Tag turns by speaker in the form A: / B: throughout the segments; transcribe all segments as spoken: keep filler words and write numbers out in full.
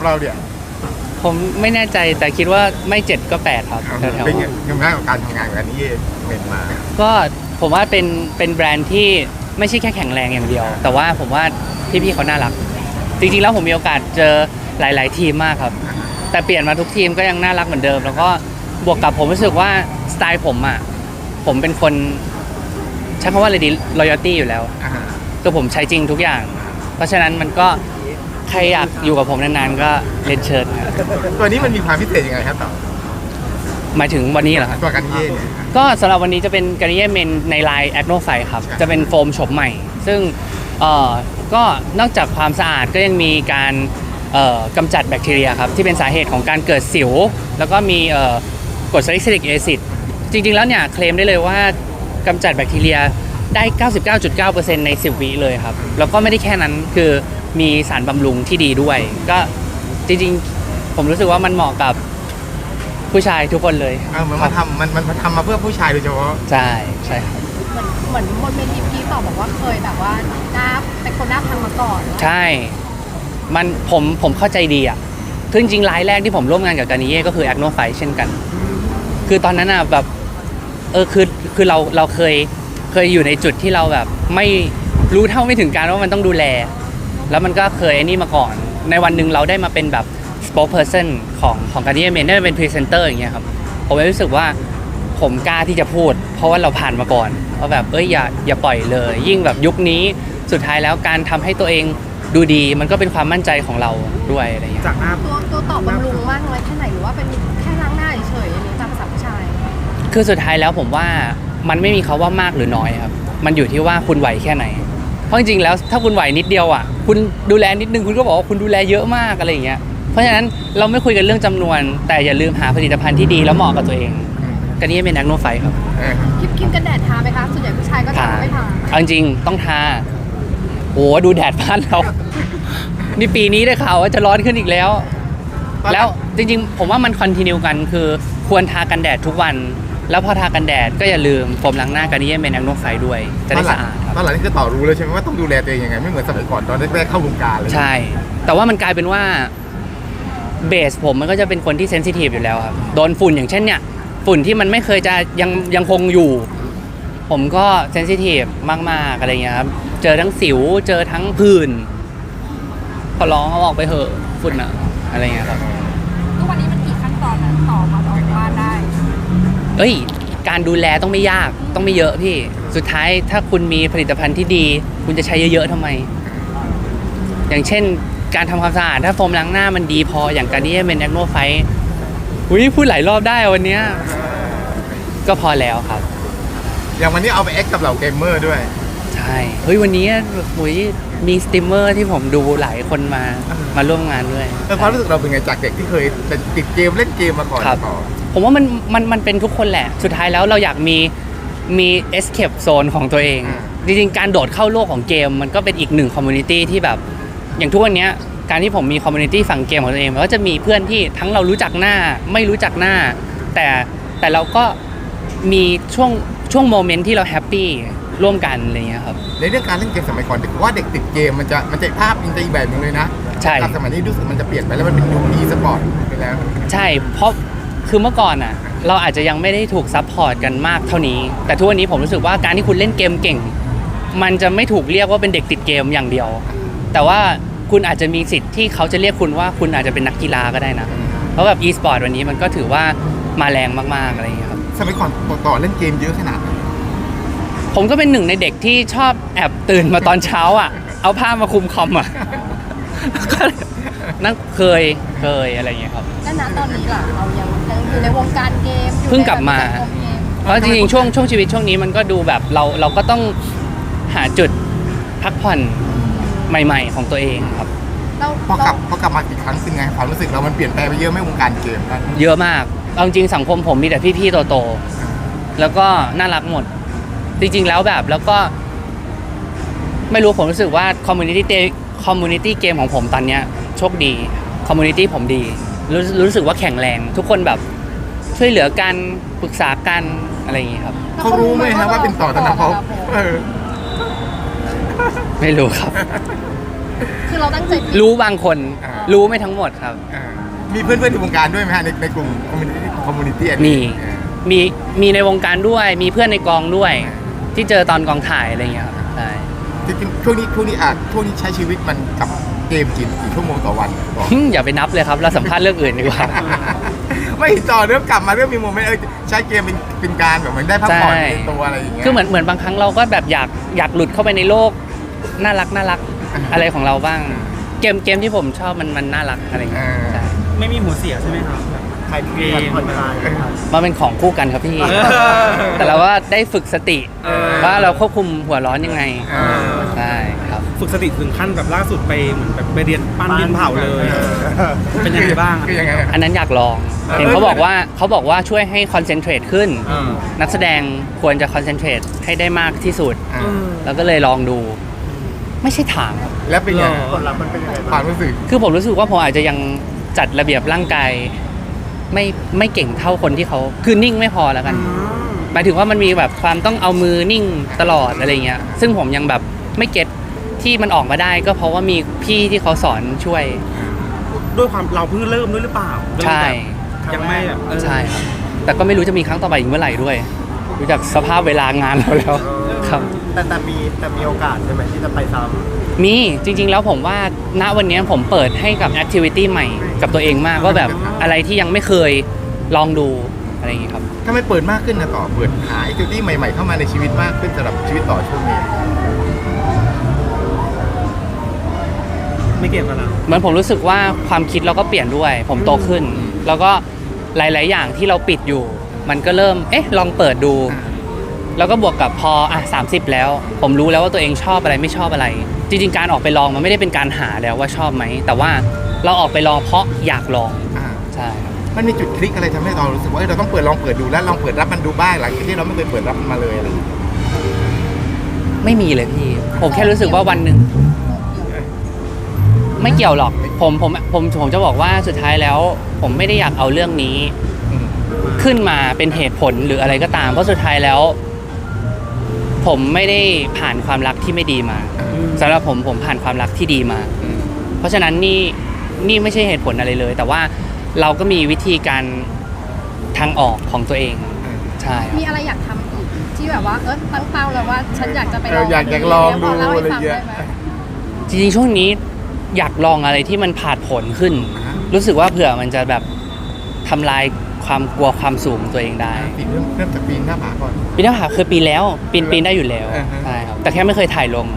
A: เราเนี่ย
B: ผมไม่แน่ใจแต่คิดว่าไม่เจ็ดก็แปดครับแถว
A: เป็นยังไงกับการทำงานกับนี้เป็นมา
B: ก็ผมว่าเป็นเป็นแบรนด์ที่ไม่ใช่แค่แข็งแรงอย่างเดียวแต่ว่าผมว่าพี่ๆเขาน่ารักจริงๆแล้วผมมีโอกาสเจอหลายๆทีมมากครับแต่เปลี่ยนมาทุกทีมก็ยังน่ารักเหมือนเดิมแล้วก็บวกกับผมรู้สึกว่าสไตล์ผมอ่ะผมเป็นคนใช้คำว่าอะไรดี loyalty อยู่แล้วคือผมใช้จริงทุกอย่างเพราะฉะนั้นมันก็ใครอยากอยู่กับผมนานๆก็เรียนเชิญ
A: ตัวนี้มันมีความพิเศษยังไงครับต่อ
B: หมายถึงวันนี้เหรอครับ
A: ตัวกันเย่เนี่ย
B: ก็สำหรับวันนี้จะเป็นการเย่เมนในไลน์แอดโนไฟครับจะเป็นโฟมโฉมใหม่ซึ่งเอ่อก็นอกจากความสะอาดก็ยังมีการเอ่อกำจัดแบคทีเรียครับที่เป็นสาเหตุของการเกิดสิวแล้วก็มีเอ่อกรดซาลิซิลิกแอซิดจริงๆแล้วเนี่ยเคลมได้เลยว่ากำจัดแบคทีเรียได้ เก้าสิบเก้าจุดเก้าเปอร์เซ็นต์ ในสิบวิเลยครับแล้วก็ไม่ได้แค่นั้นคือมีสารบำรุงที่ดีด้วยก็จริงๆผมรู้สึกว่ามันเหมาะกับผู้ชายทุกคนเลย
A: เออมันมาทำมันมันทำมาเพื่อผู้ชายโดยเฉพาะ
B: ใช่ใช่ครับ
C: เหมือนเหมือนบนเวทีพี่ต่อบอกว่าเคยแบบว่าหน้าเป็นคนหน้าพังมาก่อน
B: ใช่มันผมผมเข้าใจดีอ่ะคือจริงๆรายแรกที่ผมร่วมงานกับการนิเย่ก็คือแอคโนไฟเช่นกันคือตอนนั้นอ่ะแบบเออคือคือเราเราเคยเคยอยู่ในจุดที่เราแบบไม่รู้เท่าไม่ถึงการว่ามันต้องดูแลแล้วมันก็เคยไอ้นี่มาก่อนในวันหนึ่งเราได้มาเป็นแบบ spokesperson ของของการนิเย่เมนได้มาเป็นพรีเซนเตอร์อย่างเงี้ยครับผมรู้สึกว่าผมกล้าที่จะพูดเพราะว่าเราผ่านมาก่อนว่าแบบเอ้ยอย่าอย่าปล่อยเลยยิ่งแบบยุคนี้สุดท้ายแล้วการทำให้ตัวเองดูดีมันก็เป็นความมั่นใจของเราด้วยอะไรอย่างเงี้ย
A: จากหน้า
C: ตัวตัวตอบบำรุงมากน้อยแค่ไหนหรือว่าเป็นแค่ล้างหน้าเฉยๆอันนี้ตามภาษาผู้ชาย
B: คือสุดท้ายแล้วผมว่ามันไม่มีคำว่ามากหรือน้อยครับมันอยู่ที่ว่าคุณไหวแค่ไหนเพราะจริงๆแล้วถ้าคุณไหวนิดเดียวอ่ะคุณดูแลนิดนึงคุณก็บอกว่าคุณดูแลเยอะมากอะไรอย่างเงี้ยเพราะฉะนั้นเราไม่คุยกันเรื่องจำนวนแต่อย่าลืมหาผลิตภัณฑ์ที่ดีแล้วเหมาะกับตัวเองกันนี้เป็นแอคโนไฟครับ
C: ครีมครีมกันแดดทาไหมคะส่วนใหญ่ผู้ชายก็ทาไม่ทา
B: เอาจริงต้องทาโอ้ดูแดดบ้านเรานี่ปีนี้ได้ข่าวว่าจะร้อนขึ้นอีกแล้วแล้วจริงๆผมว่ามันคอนติเนียกันคือควรทากันแดดทุกวันแล้วพอทากันแดดก็อย่าลืมโฟมล้างหน้ากันนี้เป็นแอคโนไฟด้วยจะได้สะอาด
A: ตอนหลังนี่คือต่อรู้เลยใช่ไหมว่าต้องดูแลตัวเองยังไงไม่เหมือนสมัยก่อนตอนแรกๆเข้าวงการเลย
B: ใช่แต่ว่ามันกลายเป็นว่าเบสผมมันก็จะเป็นคนที่เซนซิทีฟอยู่แล้วครับโดนฝุ่นอย่างเช่นเนี่ยฝุ่นที่มันไม่เคยจะยังยังคงอยู่ผมก็เซนซิทีฟมากๆอะไรเงี้ยครับเจอทั้งสิวเจอทั้งผื่นขอร้องเอาออกไปเถอะฝุ่นอะอะไรเงี้ยครับ
C: ทุกวันนี้มันกี่ขั้นตอนนะต่อมาออกบ้านได้
B: เอ้ยการดูแลต้องไม่ยากต้องไม่เยอะพี่สุดท้ายถ้าคุณมีผลิตภัณฑ์ที่ดีคุณจะใช้เยอะๆทำไมอย่างเช่นการทำความสะอาดถ้าโฟมล้างหน้ามันดีพออย่างการนี้เป็นแอคโนไฟอุ้ยพูดหลายรอบได้วันนี้ก็พอแล้วครับ
A: อย่างวันนี้เอาไปแอคกับเหล่าเกมเมอร์ด้วย
B: ใช่เฮ้ยวันนี้อุ้ยมีสตรีมเมอร์ที่ผมดูหลายคนมามาร่วมงานด้วย
A: แล้วความรู้สึกเราเป็นไงจากเด็กที่เคยติดเกมเล่นเกมมาก่อน
B: ผมว่ามันมันมันเป็นทุกคนแหละสุดท้ายแล้วเราอยากมีมี escape zone ของตัวเองจริงๆการโดดเข้าโลกของเกมมันก็เป็นอีกหนึ่งคอมมูนิตี้ที่แบบอย่างทุกวันนี้การที่ผมมีคอมมูนิตี้ฝั่งเกมของตัวเองมันก็จะมีเพื่อนที่ทั้งเรารู้จักหน้าไม่รู้จักหน้าแต่แต่เราก็มีช่วงช่วงโมเมนต์ที่เราแฮปปี้ร่วมกันอะไรเงี้ยครับ
A: ในเรื่องการเล่นเกมสมัยก่อนว่าเด็กติดเกมมันจะมันจะภาพอินเตอร์อีแบบนึงเลยนะ
B: ใช่
A: สมัยนี้รู้สึกมันจะเปลี่ยนไปแล้วมันเป็นยุคอีสปอร์ตไปแล้ว
B: ใช่เพราะคือเมื่อก่อนอ่ะเราอาจจะยังไม่ได้ถูกซัพพอร์ตกันมากเท่านี้แต่ทุกวันนี้ผมรู้สึกว่าการที่คุณเล่นเกมเก่งมันจะไม่ถูกเรียกว่าเป็นเด็กติดเกมอย่างเดียวแต่ว่าคุณอาจจะมีสิทธิ์ที่เขาจะเรียกคุณว่าคุณอาจจะเป็นนักกีฬาก็ได้นะเพราะแบบ e-sport วันนี้มันก็ถือว่ามาแรงมากๆอะไรอย่างเงี้ยครับ
A: สมัยก่อนต่อเล่นเกมเยอะขนาด
B: ผมก็เป็นหนึ่งในเด็กที่ชอบแอบตื่นมาตอนเช้าอ่ะเอาผ้ามาคลุมคอมอ่ะก็นั่นเคยเคยอะไรอย่างเงี้ยครับ
C: แล้วณตอนนี้ล่ะเรายังอยู่ในวงการเกม
B: เพิ่งกลับมาเพราะจริงๆช่วงช่วงชีวิตช่วงนี้มันก็ดูแบบเราเราก็ต้องหาจุดพักผ่อนใหม่ๆของตัวเองครับ
A: พอกลับพอกลับมาอีกครั้งเป็นไงความรู้สึกเรามันเปลี่ยนแปลงไปเยอะไหมวงการเกม
B: เยอะมากเอาจริงสังคมผมมีแต่พี่ๆโตๆแล้วก็น่ารักหมดจริงๆแล้วแบบแล้วก็ไม่รู้ผมรู้สึกว่าคอมมูนิตี้คอมมูนิตี้เกมของผมตอนเนี้ยโชคดีคอมมูนิตี้ผมดีรู้รู้สึกว่าแข็งแรงทุกคนแบบช่วยเหลือกันปรึกษากันอะไรอย่างงี้ครับ
A: เขารู้ไหมครับว่าเป็นต่อธนภพ
B: ไม่รู้ครับ
C: คือเราตั้งใจผิด
B: รู้บางคน
A: อ่า
B: รู้ไม่ทั้งหมดครับ
A: อ่ามีเพื่อนๆในวงการด้วยไหมฮะในในกลุ่มคอมมูนิตี้คอมมูนิตี้
B: มี มีมีในวงการด้วยมีเพื่อนในกองด้วย ที่เจอตอนกองถ่ายอะไรเงี้ยครับใช่
A: จริงๆช่วงนี้ช่วงนี้อ่ะช่วงนี้ใช้ชีวิตมันกับเกมกี่กี่ชั่วโมงต่อวันบอก
B: หึ่มอย่าไปนับเลยครับเราสัมภาษณ์เรื่องอื่นดีกว่า
A: ไม่ต่อเรื่องกลับมาเรื่องมีโมเมนต์เออใช้เกมเป็นเป็นการแบบเหมือนได้พักผ่อน
B: ใช่
A: ในตัวอะไรอย่างเงี้ย
B: คือเหมือนเหมือนบางครั้งเราก็แบบอยากอยากหลุดเข้าไปในโลกน่ารักน่ารัก
A: อ่า
B: อะไรของเราบ้าง เกมเกมที่ผมชอบมันมันน่ารักอะไรเงี้ย
A: อ่า
B: ใช่
D: ไม่มีหัวเสียใช่ไหมครับแบบ
E: ใครมีผ่อนผ่อนคลาย
B: มันเป็นของคู่กันครับพี่
D: เออ
B: แต่เราว่าได้ฝึกสติ
D: เออ
B: ว่าเราควบคุมหัวร้อนยังไง
A: เออ
B: ใช่ครับ
D: ฝึกสติถึงขั้นแบบล่าสุดไปเหมือนแบบไปเรียนปั้นดินเผาเลย
A: เออ
D: เป็นยังไงบ้าง
A: คือยังไง
B: อันนั้นอยากลอง
A: เออ
B: เห็นเขาบอกว่าเขาบอกว่าช่วยให้คอนเซนเทรตขึ้น
D: เออ
B: นักแสดงควรจะคอนเซนเทรตให้ได้มากที่สุด
A: อ่า
B: แล้วก็เลยลองดู ไม่ใช่ทางครับ
A: แล้วเป็นยังไง
D: หรอ
E: ผลลัพธ์มันเป็นยังไง
A: ควา
E: บ้าง
A: มรู้สึก
B: คือผมรู้สึกว่าผมอาจจะยังจัดระเบียบร่างกายไม่ไม่เก่งเท่าคนที่เขาคือนิ่งไม่พอแล้วกัน หมายถึงว่ามันมีแบบความต้องเอามือนิ่งตลอดอะไรเงี้ย ซึ่งผมยังแบบไม่เก็ตที่มันออกมาได้ ก็เพราะว่ามีพี่ที่เขาสอนช่วย
D: ด้วยความเราเพิ่งเริ่มด้วยหรือเปล่า
B: ใช่
D: ยังไม่แบบเออ
B: ใช่ครับ แต่ก็ไม่รู้จะมีครั้งต่อไปอีกเมื่อไหร่ด้วยดูจากสภาพเวลางานเราแล้วครับ
E: แต่แต่มีแต่มีโอกาสใช่ไหมที่จะไปซ้
B: มีจริงๆแล้วผมว่าณวันนี้ผมเปิดให้กับแอคทิวิตี้ใหม่กับตัวเองมากว่าแบบอะไรที่ยังไม่เคยลองดูอะไรอย่างงี้ครับ
A: ถ้าไม่เปิดมากขึ้นนะต่อเปิดหาไอคิวตี้ใหม่ๆเข้ามาในชีวิตมากขึ้นสำหรับชีวิตต่อช่วงนี้
D: ไม่เกี่ยวกับเรา
B: เหมือนผมรู้สึกว่าความคิดเราก็เปลี่ยนด้วย ผมโตขึ้น แล้วก็หลาย ๆ อย่างที่เราปิดอยู่ มันก็เริ่มเอ๊ะลองเปิดดู แล้วก็บวกกับพออ่ะสามสิบแล้ว ผมรู้แล้วว่าตัวเองชอบอะไรไม่ชอบอะไร จริง ๆ การออกไปลองมันไม่ได้เป็นการหาแล้วว่าชอบไหมแต่ว่าเราออกไปลองเพราะอยากลอง
A: อ่า
B: ใช่ครับ
A: มันมีจุดคลิกอะไรทำให้เรารู้สึกว่าเอ้ยเราต้องเปิดลองเปิดดูแล้วลองเปิดรับมันดูบ้างหลังจากที่เราไม่เคยเปิดรับมันมาเลยอะไรอย่างเงี้ย
B: ไม่มีเลยพี่ ผมแค่รู้สึกว่าวันหนึ่งไม่เกี่ยวหรอกผมผมผมผมจะบอกว่าสุดท้ายแล้ว ผมไม่ได้อยากเอาเรื่องนี้
A: อืม
B: ขึ้นมาเป็นเหตุผลหรืออะไรก็ตาม เพราะสุดท้ายแล้ว ผมไม่ได้ผ่านความรักที่ไม่ดีมาสำหรับผมผมผ่านความรักที่ดีมา
A: อืม
B: เพราะฉะนั้นนี่นี่ไม่ใช่เหตุผลอะไรเลย แต่ว่าเราก็มีวิธีการทางออกของตัวเอง
A: อืม
B: ใช่ครับ
C: มีอะไรอยากทำอีกที่แบบว่าเออตั้งเป้าแล้วว่าฉันอยากจะไปล
A: เอ
C: อ
A: อง อยากอยากลองดู
C: พเล่าให้
A: อะไร
C: ฟัง
A: เงี้ย
C: ได้ไหม
B: จริงๆช่วงนี้อยากลองอะไรที่มันผาดผลขึ้น
A: อ่า
B: รู้สึกว่าเผื่อมันจะแบบทำลายความกลัวความสูงของตัวเองได้
A: ปีนเริ่มเริ่มจากปีนหน้าผาก่อน
B: ปีนหน้าผาเคยปีนแล้วปีนปีนได้อยู่แล้ว
A: อ่าฮะ
B: ใช่ครับแต่แค่ไม่เคยถ่ายลง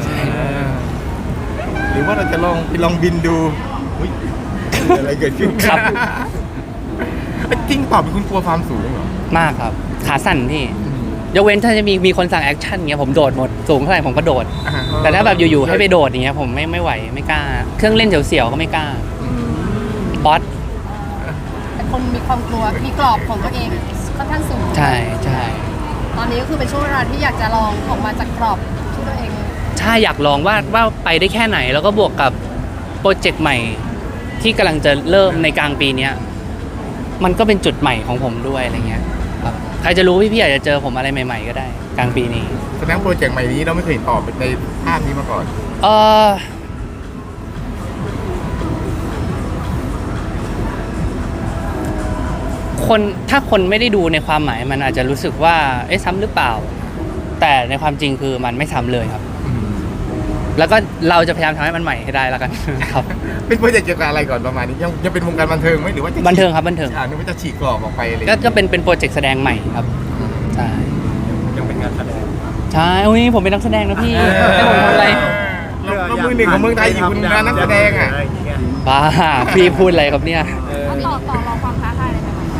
A: หรือว่าเราจะลองไปลองบินดูอุ๊ยอะไรเกิดขึ้น
B: ครับ
A: จริงตอบเป็นคุณกลัวความสูงเหรอ
B: มากครับขาสั่นพี่ยกเว้นถ้าจะมีมีคนสั่งแอคชั่นเงี้ยผมโดดหมดสูงเท่าไหร่ผมก็โดด
A: อ่า
B: แต่ถ้าแบบอยู่ๆให้ไปโดดอย่างเงี้ยผมไม่ไม่ไหวไม่กล้า เครื่องเล่นเสียวๆก็ไม่กล้าบอส
C: เป็นคนมีความกลัวมีกรอบของตัวเองค่อนข้างสูง
B: ใช่ใช่
C: ตอนนี้ก็คือเป็นช่วงเวลาที่อยากจะลองออกมาจากกรอบที่ตัวเอง
B: ใช่อยากลองว่าว่าไปได้แค่ไหน แล้วก็บวกกับโปรเจกต์ใหม่ ที่กำลังจะเริ่มในกลางปีเนี้ยมันก็เป็นจุดใหม่ของผมด้วยอะไรเงี้ยครับใครจะรู้พี่ๆอาจจะเจอผมอะไรใหม่ ๆ ก็ได้ กลางปีนี้
A: แสดงโปรเจกต์ใหม่นี้เราไม่เคยเห็นตอบในภาพนี้มาก่อน
B: เออคนถ้าคนไม่ได้ดูในความหมายมันอาจจะรู้สึกว่าเอ๊ะซ้ำหรือเปล่า แต่ในความจริงคือมันไม่ซ้ำเลยครับ แล้วก็เราจะพยายามทำให้มันใหม่ให้ได้แล้วกัน ครับ
A: เป็นโปรเจกต์เกี่ยวกับอะไรก่อนประมาณนี้ยังยังเป็นวงการบันเทิงไหมหรือว่าจะ
B: บันเทิงครับบันเทิง
A: อ่านึกว่าจะฉีกกรอบออกไปอะไร
B: ก็ก็เป็นเป็นโปรเจกต์แสดงใหม่ครับใช่
D: ยังเป็นงานแสดง
B: ใช่อุ้ยผมเป็นนักแสดงนะพี่ให้ผมทำอะไร
A: เราเรามือหนึ่งของเมืองไทยอยู่คุณนะนักแสดงอ่ะ
E: ไรอย่างเงี้ย
B: บ้าพี่พูดอะไรครับเนี่ย
C: เอาต่อต่อรองความท้าทายอะไรใหม่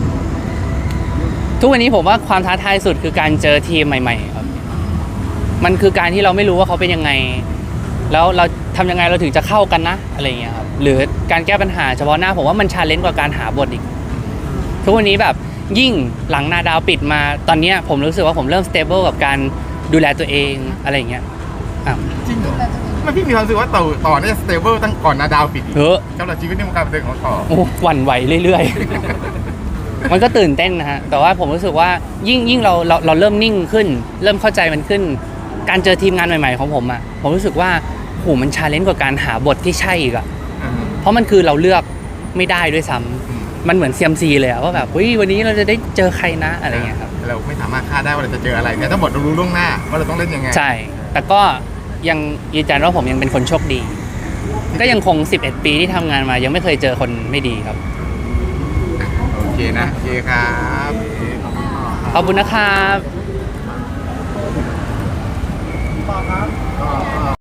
B: ทุกวันนี้ผมว่าความท้าทายสุดคือการเจอทีมใหม่ ๆ ครับ มันคือการที่เราไม่รู้ว่าเขาเป็นยังไง แล้วเราทำยังไงเราถึงจะเข้ากันนะอะไรอย่างเงี้ยครับ หรือการแก้ปัญหาเฉพาะหน้าผมว่ามันชาเลนจ์กว่าการหาบทอีก ทุกวันนี้แบบยิ่งหลังนาดาวปิดมาตอนเนี้ยผมรู้สึกว่าผมเริ่มสเตเบิลกับการดูแลตัวเองอะไรอย่างเงี้ยอ้าว
A: จริงเหรอไม่พี่มีความรู้สึกว่าต่อต่อเนี่ยสเตเบิลตั้งก่อนนาดาวปิดอีก
B: เฮ้อ
A: สำหรับชีวิตในวงการบันเทิงของต่อ
B: โอ้หวั่นไหวเรื่อยๆ มันก็ตื่นเต้นนะฮะ แต่ว่าผมรู้สึกว่ายิ่งยิ่งเราเราเราเริ่มนิ่งขึ้น เริ่มเข้าใจมันขึ้น การเจอทีมงานใหม่ๆของผมอ่ะ ผมรู้สึกว่าโหมันชาเลนจ์กว่าการหาบทที่ใช่อีกอะ
A: อืม
B: เพราะมันคือเราเลือกไม่ได้ด้วยซ้ำ
A: อืม
B: มันเหมือนเซียมซีเลยอะว่าแบบเฮ้ยวันนี้เราจะได้เจอใครนะอะไรเงี้ยครับ
A: เราไม่สามารถคาดได้ว่าเราจะเจออะไรแต่ถ้าบทเรารู้ล่วงหน้าว่าเราต้องเล่นยังไง
B: ใช่ แต่ก็ยังยืนยันว่าผมยังเป็นคนโชคดี ก็ยังคง สิบเอ็ด ปีที่ทำงานมา ยังไม่เคยเจอคนไม่ดีครับ
A: โอเคนะโอเคครับ
B: ขอบคุณนะครับ
A: ก็